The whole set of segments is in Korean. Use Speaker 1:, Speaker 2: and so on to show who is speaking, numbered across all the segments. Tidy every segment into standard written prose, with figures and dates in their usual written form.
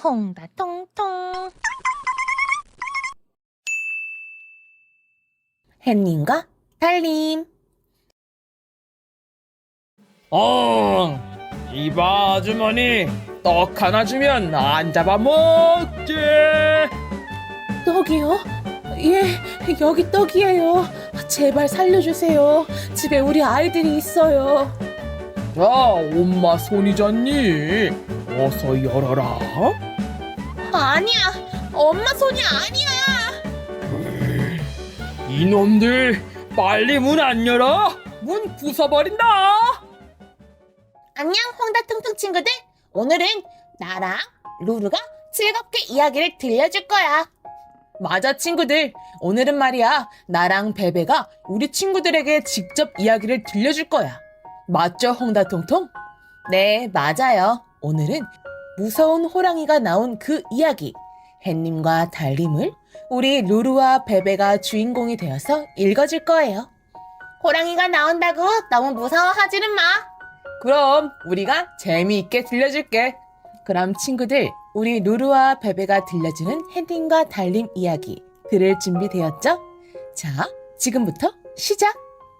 Speaker 1: 홍다통통.
Speaker 2: 햇님과 달님.
Speaker 3: 이봐 아주머니, 떡 하나 주면 안 잡아먹지.
Speaker 2: 떡이요? 예, 여기 떡이에요. 제발 살려주세요. 집에 우리 아이들이 있어요.
Speaker 3: 야, 엄마 손이잖니. 어서 열어라.
Speaker 2: 아니야, 엄마 손이 아니야.
Speaker 3: 이놈들, 빨리 문 안 열어. 문 부숴버린다.
Speaker 2: 안녕, 홍다통통 친구들. 오늘은 나랑 루루가 즐겁게 이야기를 들려줄 거야. 맞아, 친구들. 오늘은 말이야, 나랑 베베가 우리 친구들에게 직접 이야기를 들려줄 거야. 맞죠, 홍다통통? 네, 맞아요. 오늘은 무서운 호랑이가 나온 그 이야기, 햇님과 달님을 우리 루루와 베베가 주인공이 되어서 읽어줄 거예요. 호랑이가 나온다고 너무 무서워하지는 마. 그럼 우리가 재미있게 들려줄게. 그럼 친구들, 우리 루루와 베베가 들려주는 햇님과 달님 이야기 들을 준비 되었죠? 자, 지금부터 시작!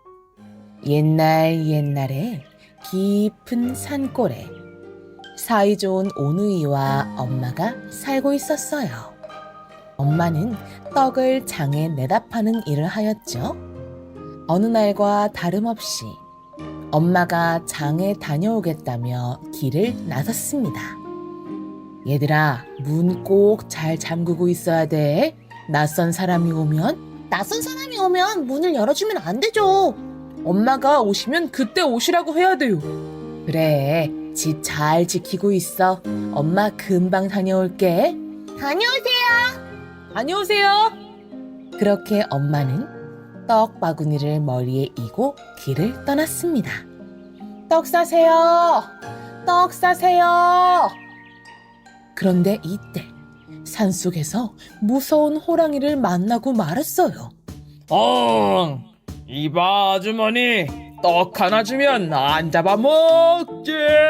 Speaker 2: 옛날에 깊은 산골에 사이좋은 오누이와 엄마가 살고 있었어요. 엄마는 떡을 장에 내다 파는 일을 하였죠. 어느 날과 다름없이 엄마가 장에 다녀오겠다며 길을 나섰습니다. 얘들아, 문 꼭 잘 잠그고 있어야 돼. 낯선 사람이 오면 문을 열어주면 안 되죠. 엄마가 오시면 그때 오시라고 해야 돼요. 그래, 집 잘 지키고 있어. 엄마 금방 다녀올게. 다녀오세요. 그렇게 엄마는 떡 바구니를 머리에 이고 길을 떠났습니다. 떡 싸세요. 그런데 이때 산속에서 무서운 호랑이를 만나고 말았어요.
Speaker 3: 이봐 아주머니, 떡 하나 주면 안 잡아먹지.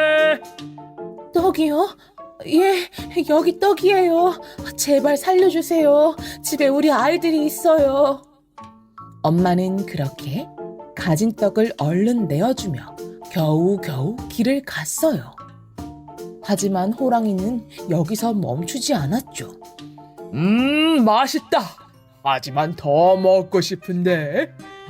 Speaker 2: 떡이요? 예, 여기 떡이에요. 제발 살려주세요. 집에 우리 아이들이 있어요. 엄마는 그렇게 가진 떡을 얼른 내어주며 겨우겨우 길을 갔어요. 하지만 호랑이는 여기서 멈추지 않았죠.
Speaker 3: 맛있다. 하지만 더 먹고 싶은데.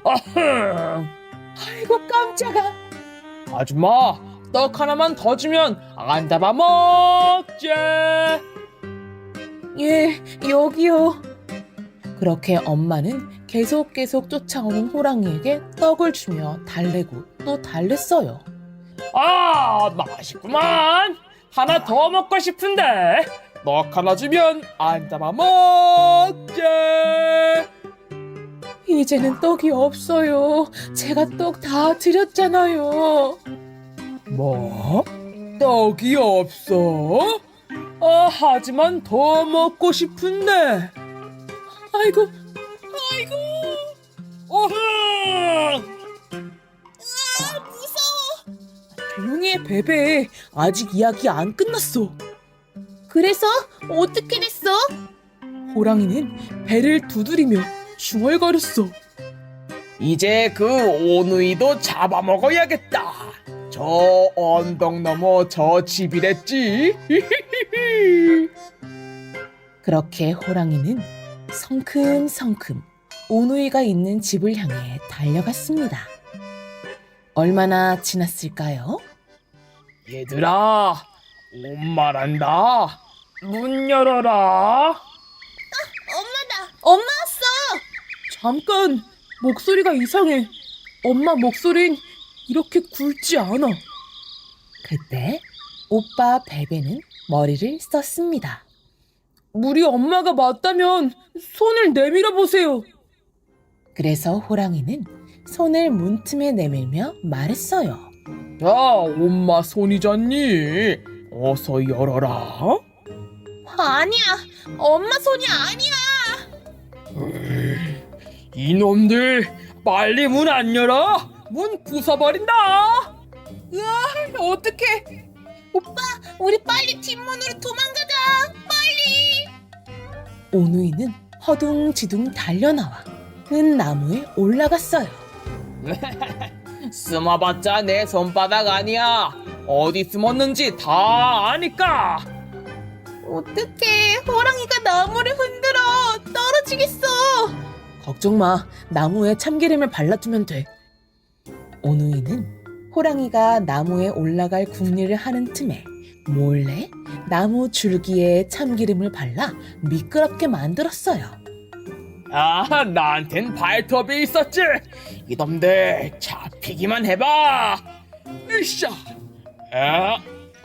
Speaker 2: 아이고, 깜짝아.
Speaker 3: 아줌마, 떡 하나만 더 주면 안 잡아먹지.
Speaker 2: 예, 여기요. 그렇게 엄마는 계속 쫓아오는 호랑이에게 떡을 주며 달래고 또 달랬어요.
Speaker 3: 맛있구만. 하나 더 먹고 싶은데. 떡 하나 주면 안 잡아먹지.
Speaker 2: 이제는 떡이 없어요. 제가 떡 다 드렸잖아요.
Speaker 3: 뭐? 떡이 없어? 하지만 더 먹고 싶은데.
Speaker 2: 아이고,
Speaker 3: 어흥!
Speaker 2: 무서워. 조용히 해, 베베. 아직 이야기 안 끝났어. 그래서 어떻게 됐어? 호랑이는 배를 두드리며 중얼거렸어.
Speaker 3: 이제 그 오누이도 잡아먹어야겠다. 저 언덕 너머 저 집이랬지.
Speaker 2: 그렇게 호랑이는 성큼성큼 오누이가 있는 집을 향해 달려갔습니다. 얼마나 지났을까요?
Speaker 3: 얘들아, 엄마란다. 문 열어라.
Speaker 2: 엄마 왔어! 잠깐, 목소리가 이상해. 엄마 목소린 이렇게 굵지 않아. 그때 오빠 베베는 머리를 썼습니다. 우리 엄마가 맞다면 손을 내밀어 보세요. 그래서 호랑이는 손을 문틈에 내밀며 말했어요.
Speaker 3: 야, 엄마 손이잖니. 어서 열어라.
Speaker 2: 아니야, 엄마 손이 아니야.
Speaker 3: 이놈들, 빨리 문 안 열어. 문 부숴버린다.
Speaker 2: 어떡해. 오빠, 우리 빨리 뒷문으로 도망가자. 오누이는 허둥지둥 달려나와 큰 나무에 올라갔어요.
Speaker 3: 숨어봤자 내 손바닥 아니야. 어디 숨었는지 다 아니까.
Speaker 2: 어떡해, 호랑이가 나무를 흔들어. 떨어지겠어. 걱정 마, 나무에 참기름을 발라두면 돼. 오누이는 호랑이가 나무에 올라갈 궁리를 하는 틈에 몰래 나무 줄기에 참기름을 발라 미끄럽게 만들었어요.
Speaker 3: 아, 나한텐 발톱이 있었지. 이놈들 잡히기만 해봐. 으쌰. 아,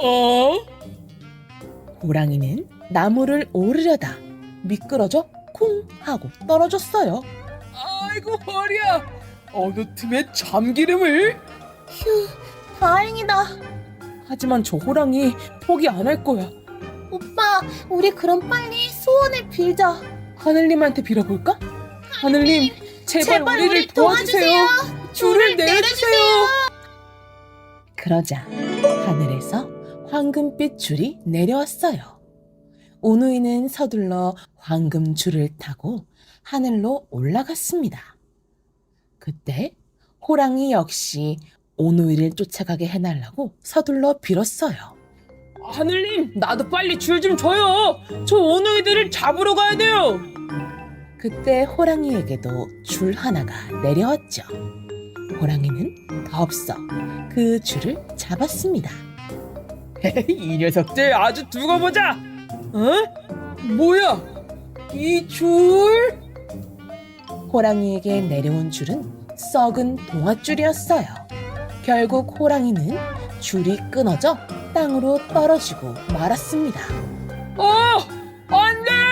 Speaker 2: 호랑이는 나무를 오르려다 미끄러져 쿵 하고 떨어졌어요.
Speaker 3: 아이고 허리야. 어느 틈에 참기름을?
Speaker 2: 휴, 다행이다. 하지만 저 호랑이 포기 안 할 거야. 오빠, 우리 그럼 빨리 소원을 빌자. 하늘님한테 빌어볼까? 하늘님, 제발 우리를 도와주세요. 줄을 내려주세요. 그러자 하늘에서 황금빛 줄이 내려왔어요. 오누이는 서둘러 황금 줄을 타고 하늘로 올라갔습니다. 그때 호랑이 역시 오누이를 쫓아가게 해달라고 서둘러 빌었어요.
Speaker 3: 하늘님, 나도 빨리 줄 좀 줘요. 저 오누이들을 잡으러 가야 돼요.
Speaker 2: 그때 호랑이에게도 줄 하나가 내려왔죠. 호랑이는 덥석 그 줄을 잡았습니다.
Speaker 3: 이 녀석들 아주 두고 보자. 어? 뭐야? 이 줄?
Speaker 2: 호랑이에게 내려온 줄은 썩은 동아줄이었어요. 결국 호랑이는 줄이 끊어져 땅으로 떨어지고 말았습니다.
Speaker 3: 안 돼!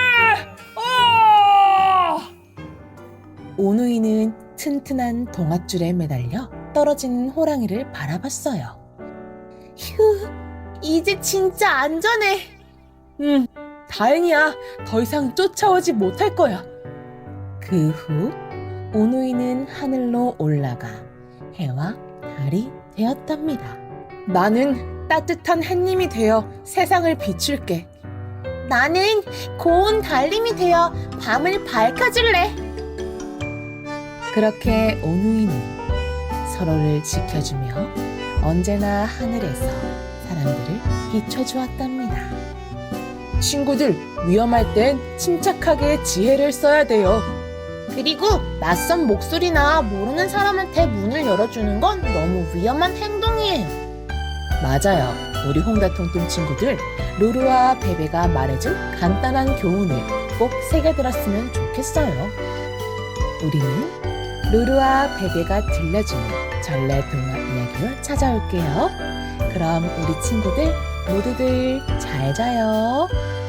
Speaker 2: 오누이는 튼튼한 동아줄에 매달려 떨어지는 호랑이를 바라봤어요. 휴, 이제 진짜 안전해. 다행이야. 더 이상 쫓아오지 못할 거야. 그 후 오누이는 하늘로 올라가 해와 달이 되었답니다. 나는 따뜻한 햇님이 되어 세상을 비출게. 나는 고운 달님이 되어 밤을 밝혀줄래. 그렇게 오누이는 서로를 지켜주며 언제나 하늘에서 사람들을 비춰주었답니다. 친구들, 위험할 땐 침착하게 지혜를 써야 돼요. 그리고 낯선 목소리나 모르는 사람한테 문을 열어주는 건 너무 위험한 행동이에요. 맞아요. 우리 홍다통통 친구들, 루루와 베베가 말해준 간단한 교훈을 꼭 새겨들었으면 좋겠어요. 우리는 루루와 베베가 들려주는 전래동화 이야기로 찾아올게요. 그럼 우리 친구들 모두들 잘 자요.